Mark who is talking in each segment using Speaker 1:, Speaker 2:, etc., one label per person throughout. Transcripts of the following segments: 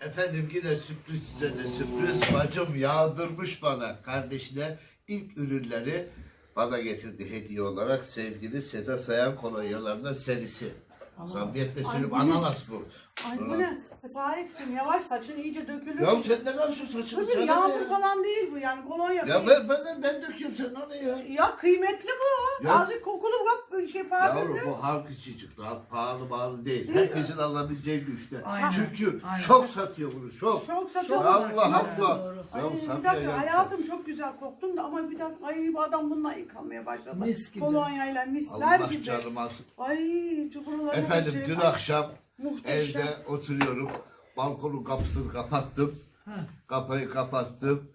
Speaker 1: Efendim yine sürpriz üzerine sürpriz. Bacım yağdırmış bana kardeşine ilk ürünleri bana getirdi hediye olarak sevgili Seda Sayan kolonyalarından serisi. Samimiyetle söyleyeyim ananas bu.
Speaker 2: Ay bu ne? Tarık'cığım yavaş saçın iyice dökülür.
Speaker 1: Ya sen ne karışıyorsun saçını?
Speaker 2: Tabii yağmur falan değil bu yani kolonya.
Speaker 1: Ya ben döküyorum sen onu ya.
Speaker 2: Ya kıymetli bu.
Speaker 1: Ya.
Speaker 2: Azıcık kokulu bak parfümlü.
Speaker 1: Yavrum bu halk için çıktı. Halk pahalı değil. Herkesin alabileceği güçte.
Speaker 3: Aynen.
Speaker 1: Çünkü
Speaker 3: Aynen.
Speaker 1: çok satıyor bunu çok.
Speaker 2: Çok satıyor.
Speaker 1: Allah
Speaker 2: Nasıl?
Speaker 1: Allah.
Speaker 2: Ay,
Speaker 1: Ya
Speaker 2: bir
Speaker 1: Safiye
Speaker 2: dakika
Speaker 1: ya.
Speaker 2: hayatım çok güzel koktun da ama bir dakika ay bu adam bununla yıkanmaya başladı.
Speaker 3: Mis gibi.
Speaker 2: Kolonyayla misler
Speaker 1: Allah
Speaker 2: gibi.
Speaker 1: canım alsın.
Speaker 2: Ay çukurları
Speaker 1: Efendim dün akşam
Speaker 2: muhteşem.
Speaker 1: evde oturuyorum. Balkonun kapısını kapattım. Kapıyı kapattım.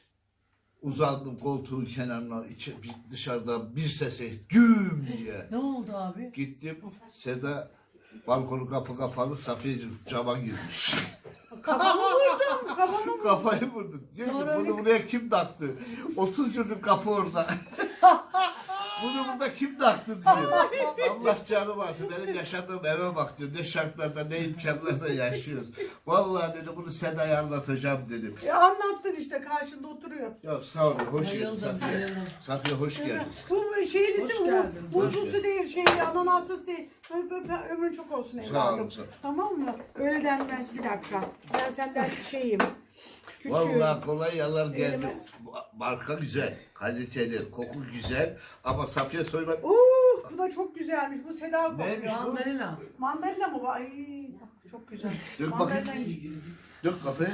Speaker 1: Uzandım koltuğun kenarına. Dışarıda bir sesi güm diye.
Speaker 3: Ne oldu abi?
Speaker 1: Gittim. Seda balkonun kapı kapalı. Safiye'cim cama girmiş.
Speaker 2: Kafamı vurdum. Kafamı vurdum.
Speaker 1: Kafayı vurdu. Diyor ki
Speaker 3: Sonra
Speaker 1: bunu buraya kim taktı? 30 yıldır kapı orada. Bunu burada kim taktı diyor. Allah canım alsın. Benim yaşadığım eve bak diyor. Ne şartlarda ne imkanlarda yaşıyoruz. Vallahi dedi bunu Seda'ya anlatacağım dedim.
Speaker 2: Anlattın işte karşında oturuyor.
Speaker 1: Ya sağ ol. Hoş geldin
Speaker 3: Bayıldım,
Speaker 1: Safiye.
Speaker 3: bayıldım.
Speaker 1: Safiye hoş geldin.
Speaker 2: Bu şeylisi
Speaker 3: Hoş
Speaker 2: bu.
Speaker 3: geldin.
Speaker 2: Buzlusu değil, ananaslısı değil. Ömrün çok olsun evladım.
Speaker 1: Sağ olun, sağ olun.
Speaker 2: Tamam mı? Öyle denmez bir dakika. Ben senden şeyim. Küçüğüm.
Speaker 1: Vallahi kolay yalan geldi.
Speaker 2: Elime-
Speaker 1: Marka güzel, kaliteli, koku güzel. Ama Safiye Soyman...
Speaker 2: Bu da çok güzelmiş. Bu Seda kokuyor.
Speaker 1: Neymiş bu?
Speaker 3: Mandalina.
Speaker 2: Mandalina mı bu? Ay çok güzel.
Speaker 1: Dök
Speaker 2: Mandalina
Speaker 1: bakayım. Dök kafaya.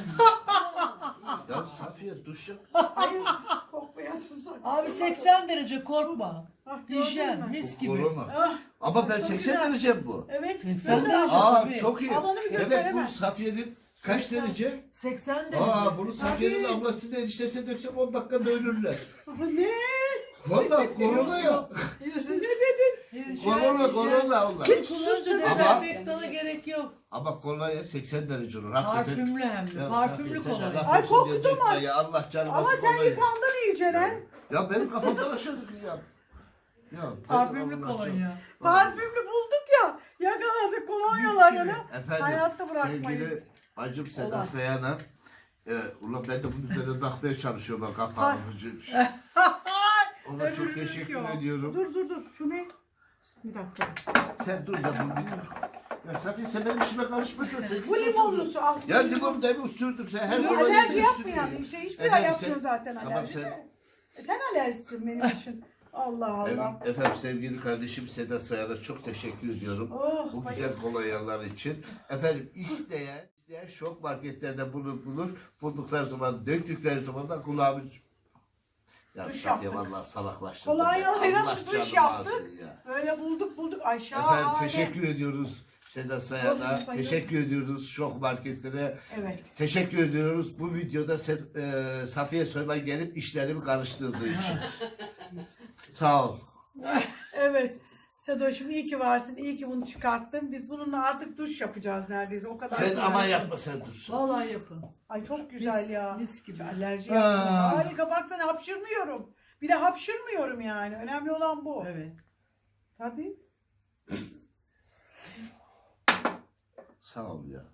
Speaker 1: Ya Safiye duş yap.
Speaker 2: Hayır kokmayasın sakın.
Speaker 3: Abi 80 derece korkma.
Speaker 2: Ah, gördün
Speaker 3: Hijyen,
Speaker 2: mü?
Speaker 3: mis gibi.
Speaker 1: Korona.
Speaker 2: Ah,
Speaker 1: Ama ben
Speaker 2: çok
Speaker 1: 80
Speaker 2: güzel.
Speaker 1: derece bu.
Speaker 2: Evet.
Speaker 3: 80
Speaker 2: güzel.
Speaker 3: derece.
Speaker 1: Aa
Speaker 3: tabii.
Speaker 1: çok iyi.
Speaker 2: Ama onu bir
Speaker 1: Evet
Speaker 2: gösteremem.
Speaker 1: bu Safiye'nin kaç derece?
Speaker 3: 80 derece.
Speaker 1: Aa bunu Safiye'nin
Speaker 2: Tabii.
Speaker 1: ablasının eniştesine döksem 10 dakikada ölürler.
Speaker 2: Ne?
Speaker 1: Vallahi korona ya.
Speaker 3: Yüzün-
Speaker 2: Ne dedin?
Speaker 1: Korona onlar.
Speaker 3: Hiç kullanınca
Speaker 1: Ama-
Speaker 3: dezenfektana gerek yok.
Speaker 1: Ama kolonya 80 derece olur. Hakikaten.
Speaker 3: Parfümlü hem de.
Speaker 1: Ya
Speaker 3: Parfümlü
Speaker 1: Safiye, sen de
Speaker 3: kolonya.
Speaker 1: laf
Speaker 2: Ay,
Speaker 1: olsun diye
Speaker 2: koktu mu?
Speaker 1: dökme ya. Allah canım
Speaker 2: Ama
Speaker 1: alsın
Speaker 2: sen
Speaker 1: kolonya.
Speaker 2: yıkandın iyice lan.
Speaker 1: Ya benim kafamdan aşağı ya. Ya
Speaker 3: Parfümlü
Speaker 1: Allah
Speaker 3: kolonya.
Speaker 2: Parfümlü bulduk ya. Yakaladık kolonyalarını.
Speaker 1: Efendim
Speaker 2: Hayatta bırakmayız.
Speaker 1: sevgili bacım Seda
Speaker 2: Allah.
Speaker 1: Sayan'a ulan ben de bunun üzerine takmaya çalışıyorum bak kapağını. Ona çok
Speaker 2: Öbürünü
Speaker 1: teşekkür
Speaker 2: yok.
Speaker 1: ediyorum.
Speaker 2: Dur. Şu ne? Bir dakika.
Speaker 1: Sen dur ya ya Safiye sen benim işime karışmasın. Sen
Speaker 2: Bu limonlusu al.
Speaker 1: Ya limon da bir üstürdüm sen her kolay
Speaker 2: Alerji
Speaker 1: yedin
Speaker 2: yapma
Speaker 1: üstürdün.
Speaker 2: yani. Hiçbir
Speaker 1: Efendim,
Speaker 2: yapmıyor
Speaker 1: sen-
Speaker 2: zaten
Speaker 1: tamam,
Speaker 2: alerji.
Speaker 1: sen-
Speaker 2: de. Sen alerjisin benim için. Allah Allah.
Speaker 1: Efendim sevgili kardeşim Seda Sayan'a çok teşekkür ediyorum.
Speaker 2: Oh,
Speaker 1: Bu güzel kolonyalar için. Efendim isteyen şok marketlerde bunu bulur. Buldukları zaman, döktükleri zaman da kulağımı... Ya
Speaker 2: Duş
Speaker 1: Safiye
Speaker 2: yaptık.
Speaker 1: vallahi salaklaştırdım.
Speaker 2: Kolonyalarla
Speaker 1: Allah
Speaker 2: duş
Speaker 1: canımı
Speaker 2: yaptık.
Speaker 1: alsın ya.
Speaker 2: Böyle bulduk. Aşağı.
Speaker 1: Efendim teşekkür ediyoruz Seda Sayan'a.
Speaker 2: Bayıldım.
Speaker 1: Teşekkür ediyoruz şok marketlere.
Speaker 2: Evet.
Speaker 1: Teşekkür ediyoruz bu videoda Safiye Soyman gelip işlerimi karıştırdığı için. Sağ ol.
Speaker 2: Evet. Sedoş'um iyi ki varsın. İyi ki bunu çıkarttın. Biz bununla artık duş yapacağız neredeyse. O kadar.
Speaker 1: Sen
Speaker 2: güzel.
Speaker 1: aman yapma sen dur.
Speaker 3: Vallahi yapın.
Speaker 2: Ay çok güzel
Speaker 3: Mis-
Speaker 2: ya.
Speaker 3: mis gibi.
Speaker 2: Alerji
Speaker 1: Ha.
Speaker 2: yapmıyor. Harika baksana hapşırmıyorum. Bir de hapşırmıyorum yani. Önemli olan bu.
Speaker 3: Evet.
Speaker 2: Tabii.
Speaker 1: Sağ ol ya.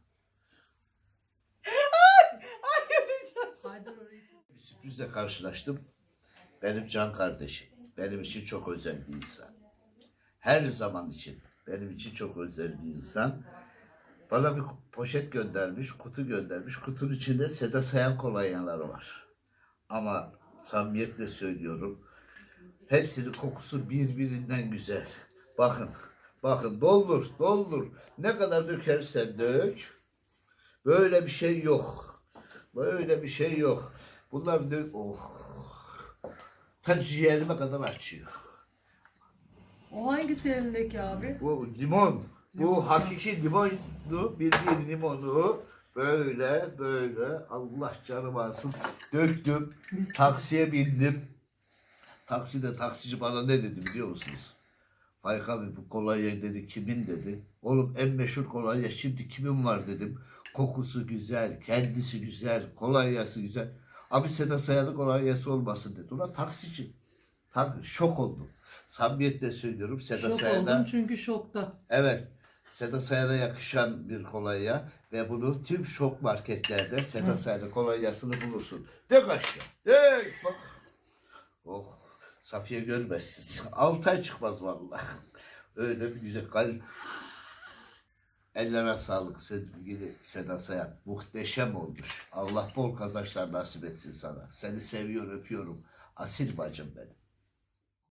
Speaker 2: Ay öleceğim.
Speaker 3: Haydar orayı.
Speaker 1: Bir sürprizle karşılaştım. Benim can kardeşim. Benim için çok özel bir insan. Her zaman için benim için çok özel bir insan. Bana bir poşet göndermiş, kutu göndermiş. Kutunun içinde Seda Sayan kolonyaları var. Ama samimiyetle söylüyorum. Hepsinin kokusu birbirinden güzel. Bakın doldur. Ne kadar dökersen dök. Böyle bir şey yok. Böyle bir şey yok. Bunlar ta ciğerime kadar açıyor.
Speaker 3: O hangisi elindeki abi?
Speaker 1: Bu limon. Bu hakiki limonlu, bildiğin limonu böyle Allah canım alsın döktüm.
Speaker 3: Mis.
Speaker 1: Taksiye bindim. Takside taksici bana ne dedi biliyor musunuz? Faik abi bu kolonya dedi kimin dedi. Oğlum en meşhur kolonya şimdi kimin var dedim. Kokusu güzel, kendisi güzel, kolonyası güzel. Abi Seda Sayan'ın kolonyası olmasın dedi. Ulan taksici. Şok oldum. Samimiyetle söylüyorum Seda
Speaker 3: Şok
Speaker 1: Sayan'a.
Speaker 3: oldum çünkü şokta.
Speaker 1: Evet. Seda Sayan'a yakışan bir kolonya ve bunu tüm şok marketlerde Seda Sayan'ın kolonyasını bulursun. Dök aşağı. Dök. Bak. Oh. Safiye görmezsin. 6 ay çıkmaz vallahi. Öyle bir güzel. Ellerine sağlık sevgili Seda Sayan. Muhteşem olmuş. Allah bol kazançlar nasip etsin sana. Seni seviyor, öpüyorum. Asil bacım benim.